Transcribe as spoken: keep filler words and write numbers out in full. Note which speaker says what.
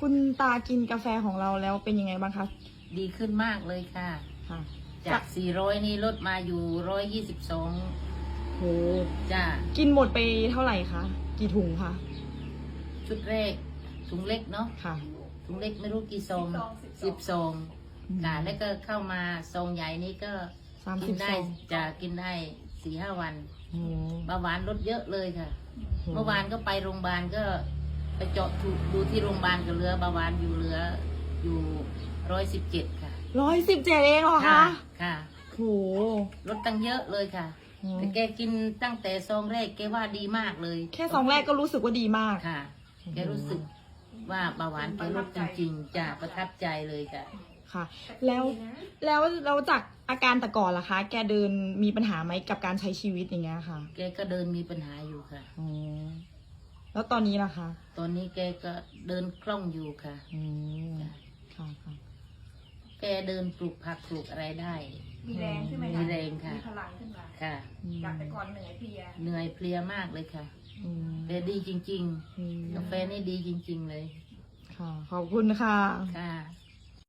Speaker 1: คุณตากินกาแฟของเราแล้วเป็นยังไงบ้างคะ
Speaker 2: ดีขึ้นมากเลยค่ะ
Speaker 1: ค่ะ
Speaker 2: จาก สี่ร้อย นี่ลดมาอยู่ หนึ่งร้อยยี่สิบสอง
Speaker 1: โห
Speaker 2: จ้า
Speaker 1: กินหมดไปเท่าไหร่คะ กี่ถุงคะ
Speaker 2: ชุดแรกถุงเล็กเนาะ
Speaker 1: ค่ะ
Speaker 2: ถุงเล็กไม่รู้กี่ซองสิบซอง
Speaker 1: อืม
Speaker 2: ค่ะแล้วก็เข้ามาซองใหญ่นี่ก็
Speaker 1: สาม
Speaker 2: กิ
Speaker 1: สิบ
Speaker 2: ได้
Speaker 1: ซอง
Speaker 2: จะกินได้สี่ห้าวัน
Speaker 1: โอ้
Speaker 2: เบาหวานลดเยอะเลยค่ะ
Speaker 1: โห
Speaker 2: เมื่อวานก็ไปโรงพยาบาลก็ไปเจาะดูที่โรงพยาบาลก็เหลือเบาหวานอยู่เหลืออยู่ร้อยสิบเจ็ดค่ะ
Speaker 1: ร้อยสิบเจ็ดเองเหรอคะ
Speaker 2: ค่ะ
Speaker 1: โห
Speaker 2: ลดตั้งเยอะเลยค่ะ
Speaker 1: อืม
Speaker 2: แต่แกกินตั้งแต่ซองแรกแกว่าดีมากเลย
Speaker 1: แค่ซองแรกก็รู้สึกว่าดีมาก
Speaker 2: ค่ะ แกรู้สึกว่าเบาหวานแกลดจริงๆจะประทับใจเลยค่ะ
Speaker 1: ค่ะ แล้วแล้วเราจากอาการแต่ก่อนล่ะคะ แกเดินมีปัญหาไหมกับการใช้ชีวิตอย่างเงี้ยค่ะ
Speaker 2: แกก็เดินมีปัญหาอยู่ค่ะ
Speaker 1: อ๋อแล้วตอนนี้ล่ะคะ
Speaker 2: ตอนนี้แกก็เดินคล่องอยู่ค่ะ
Speaker 1: อืมค่ะค่ะ
Speaker 2: แกเดินปลูกผักปลูกอะไรได้
Speaker 3: มีแรงขึ้นไหม
Speaker 2: มี
Speaker 3: คะ
Speaker 2: แรงค่ะ
Speaker 3: มีพลังขึ้นมา
Speaker 2: ค่ะ
Speaker 3: จากแต่ก่อนเหนื่อยเพลีย
Speaker 2: เหนื่อยเพลียมากเลยค่ะ
Speaker 1: อืม
Speaker 2: แต่ดีจริง
Speaker 1: อืม
Speaker 2: ๆ กาแฟนี่ดีจริง ๆ เลย
Speaker 1: ค่ะ ขอบคุณค่ะ
Speaker 2: ค่ะ